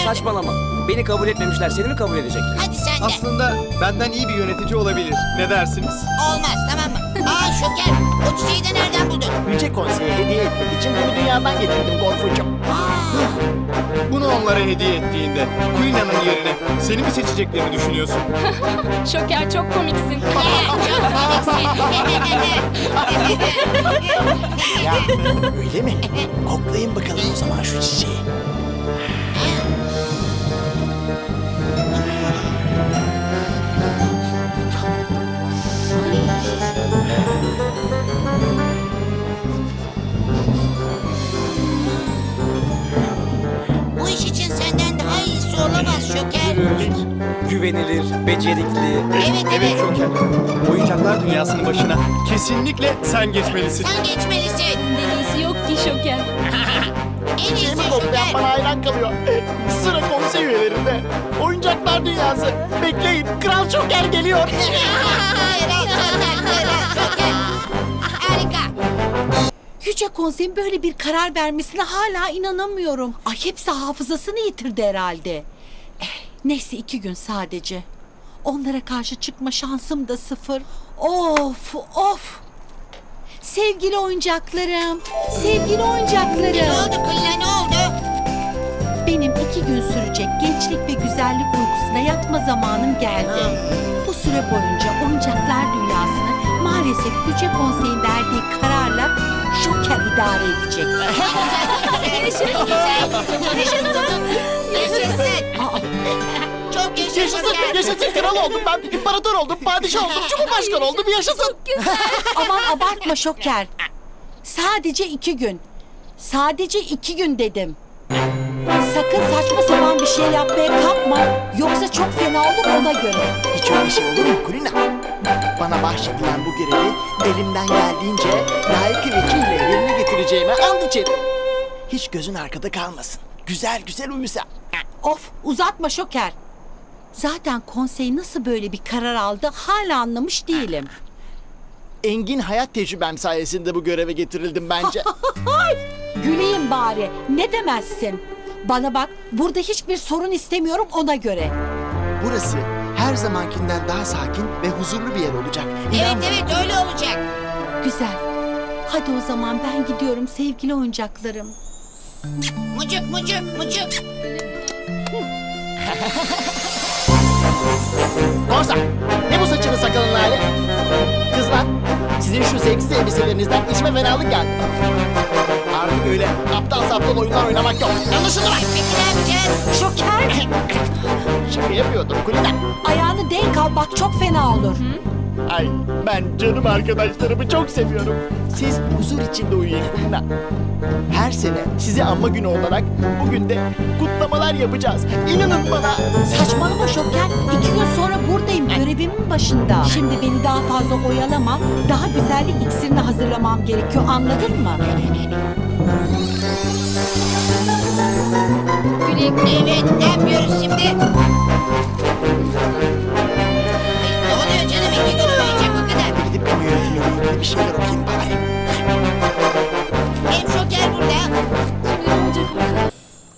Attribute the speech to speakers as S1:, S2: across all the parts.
S1: Saçmalama. Beni kabul etmemişler. Seni mi kabul edecekler?
S2: Hadi sen de.
S3: Aslında benden iyi bir yönetici olabilir. Ne dersiniz?
S2: Olmaz, tamam mı? Aa Şoker, o çiçeği de nereden buldun?
S4: Yüce Konsey'e hediye etmek için bunu dünyadan getirdim Gorfucuğum.
S3: Bunu onlara hediye ettiğinde Kulina'nın yerine seni mi seçeceklerini düşünüyorsun?
S5: Şoker çok komiksin.
S4: Ya öyle mi? Koklayın bakalım o zaman şu çiçeği.
S2: Bu iş için senden daha iyisi olamaz Şoker.
S1: Dürüst, güvenilir, becerikli.
S2: Evet.
S3: Şoker. Oyuncaklar dünyasının başına kesinlikle sen geçmelisin.
S2: Sen geçmelisin.
S5: Senden iyisi yok ki Şoker.
S2: En iyisi
S4: Çiçeğimi koklayan
S2: Şoker.
S4: bana hayran kalıyor. Sıra konsey üyelerinde. Oyuncaklar dünyası. Bekleyin, Kral Şoker geliyor.
S2: Şoker. Harika.
S6: Yüce Konsey'in böyle bir karar vermesine hala inanamıyorum. Ay hepsi hafızasını yitirdi herhalde. Neyse 2 gün sadece. Onlara karşı çıkma şansım da 0. Of. Sevgili oyuncaklarım. Sevgili
S2: Ne
S6: oyuncaklarım.
S2: oldu Kulina, ne oldu?
S6: Benim 2 gün sürecek gençlik ve güzellik uykusuna yatma zamanım geldi. Bu süre boyunca oyuncaklar dünyasını maalesef Yüce Konsey'in verdiği kararla Şoker idare edecek.
S2: Yaşasın. Çok yaşa
S4: Yaşasın,
S2: Şoker.
S4: yaşasın kral oldum ben. İmparator oldum, padişah oldum, cumhurbaşkanı oldum. Yaşasın.
S6: Aman abartma Şoker. Sadece 2 gün. Sadece 2 gün dedim. Sakın saçma sapan bir şey yapmaya kalkma. Yoksa çok fena olur ona göre.
S4: Hiç öyle şey olur mu Kulina? Bana bahşedilen bu görevi elimden geldiğince layık vekille yerine getireceğime and içerim. Hiç gözün arkada kalmasın. Güzel güzel uyusa.
S6: Of uzatma Şoker. Zaten konsey nasıl böyle bir karar aldı hala anlamış değilim.
S4: Engin hayat tecrübem sayesinde bu göreve getirildim bence.
S6: Güleyim bari. Ne demezsin? Bana bak burada hiçbir sorun istemiyorum ona göre.
S4: Burası her zamankinden daha sakin ve huzurlu bir yer olacak. İnan bana.
S2: Evet öyle olacak.
S6: Güzel. Hadi o zaman ben gidiyorum sevgili oyuncaklarım.
S2: Mucuk.
S4: Korsan, ne bu saçını sakalın hali? Kızlar, sizin şu seksi elbiselerinizden içime fenalık geldi. Artık öyle aptal saptal oyunlar oynamak yok. Anlaşıldı mı?
S2: Peki ne yapacağız?
S6: Şoker
S4: Şaka yapıyordum Kulina.
S6: ayağını denk al bak çok fena olur.
S4: Ay ben canım arkadaşlarımı çok seviyorum. Siz huzur içinde uyuyun Kulina. Her sene sizi anma günü olarak bugün de kutlamalar yapacağız. İnanın bana.
S6: Saçmalama Şoker. 2 gün sonra buradayım görevimin başında. Şimdi beni daha fazla oyalama. Daha güzellik iksirini hazırlamam gerekiyor anladın mı?
S2: Evet, ne yapıyoruz şimdi? Ay, ne oluyor canım? 2 gün uyuyacak o kadar.
S4: Gidip kamu yönetimiyle ilgili bir şeyler okuyayım bari.
S2: Hem Şoker burada.
S5: Şimdi ne olacak bakalım.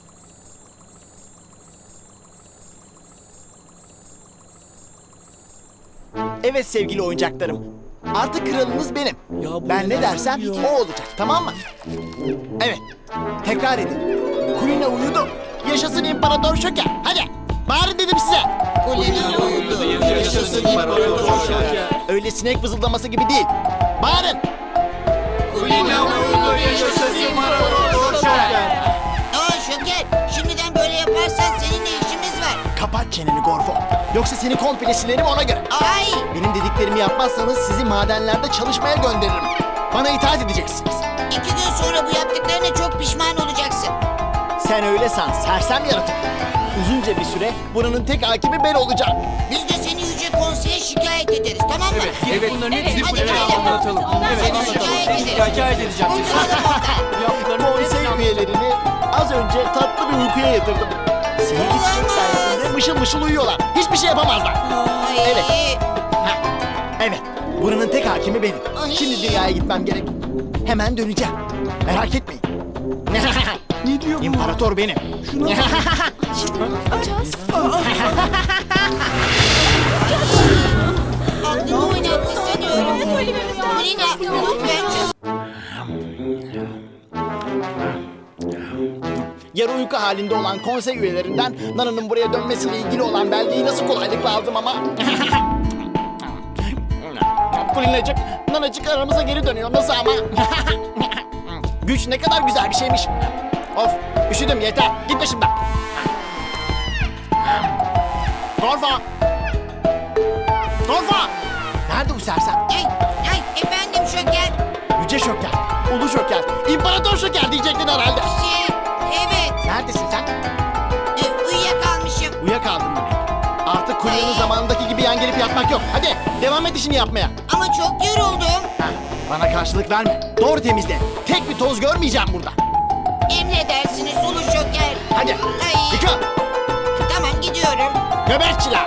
S4: Evet sevgili oyuncaklarım. Artık kralınız benim. Ben ne dersem o olacak, tamam mı? Evet. Tekrar edin. Kulina uyudu. Yaşasın İmparator Şoker. Hadi. Bağırın dedim size.
S2: Kulina uyudu.
S3: Yaşasın İmparator Şoker.
S4: Öyle sinek vızıldaması gibi değil. Bağırın.
S3: Kulina uyudu, yaşasın İmparator Şoker.
S2: Aa Şoker, şimdiden böyle yaparsan seninle işimiz var.
S4: Kapat çeneni Gorfo. Yoksa seni komple silerim ona göre.
S2: Ay!
S4: Benim dediklerimi yapmazsanız sizi madenlerde çalışmaya gönderirim. Bana itaat edeceksiniz.
S2: 2 gün sonra bu yaptıklarına çok pişman olacaksın.
S4: Sen öyle san, sersem yaratık. Uzunca bir süre buranın tek hakimi ben olacağım.
S2: Biz de seni Yüce Konsey'e şikayet ederiz, tamam mı?
S1: Evet.
S3: Bunların
S5: Evet,
S3: hepsini
S2: hadi
S3: Kulina'ya
S2: gidelim.
S3: anlatalım.
S2: Seni şikayet edelim.
S3: Şikayet edeceğim.
S2: Kurtulalım oradan.
S4: Konsey üyelerini az önce tatlı bir uykuya yatırdım. Senin gitmek sayesinde mışıl mışıl uyuyorlar. Hiçbir şey yapamazlar.
S2: Ay.
S4: Evet. Evet, buranın tek hakimi benim.
S2: Ay.
S4: Şimdi dünyaya gitmem gerek. Hemen döneceğim. Merak etmeyin.
S3: Ne diyor bu?
S4: İmparator benim.
S5: Şimdi ne yapacağız?
S2: Aklını oynattı sanıyorum.
S5: Söylememiz lazım.
S2: Kulina lütfen çöz.
S4: Yarı uyku halinde olan konsey üyelerinden Nana'nın buraya dönmesiyle ilgili olan belgeyi nasıl kolaylıkla aldım ama... Kulinacık, Nanacık aramıza geri dönüyor. Nasıl ama? Güç ne kadar güzel bir şeymiş. Of, üşüdüm yeter. Git başımdan. Torfa! Torfa! Nerede bu sersem?
S2: Ay efendim Şoker.
S4: Yüce Şoker, Ulu Şoker, İmparator Şoker diyecektin herhalde.
S2: Evet.
S4: Neredesin sen?
S2: Uyuyakalmışım.
S4: Uyuyakaldın demek. Artık Kulina'nın zamanındaki gibi yan gelip yatmak yok. Hadi devam et işini yapmaya.
S2: Ama çok yoruldum.
S4: Heh, bana karşılık verme. Doğru temizle. Tek bir toz görmeyeceğim burada.
S2: Emredersiniz Ulu Şoker.
S4: Hadi
S2: Ay.
S4: yıka.
S2: Tamam gidiyorum.
S4: Nöbetçiler.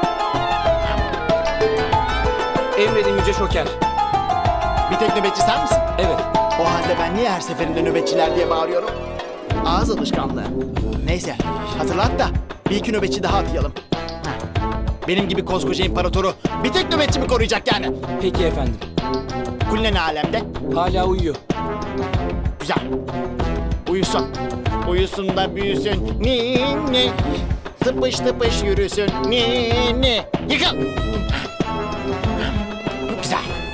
S1: Emredin Yüce Şoker.
S4: Bir tek nöbetçi sen misin?
S1: Evet.
S4: O halde ben niye her seferinde nöbetçiler diye bağırıyorum? Ağız alışkanlığı. Neyse hatırlat da bir iki nöbetçi daha atayalım. Heh. Benim gibi koskoca imparatoru bir tek nöbetçi mi koruyacak yani?
S1: Peki efendim.
S4: Kulina ne alemde?
S1: Hala uyuyor.
S4: Güzel. Uyusun. Uyusun da büyüsün. Ninni. Tıpış tıpış yürüsün. Ninni. Yıkıl. Güzel.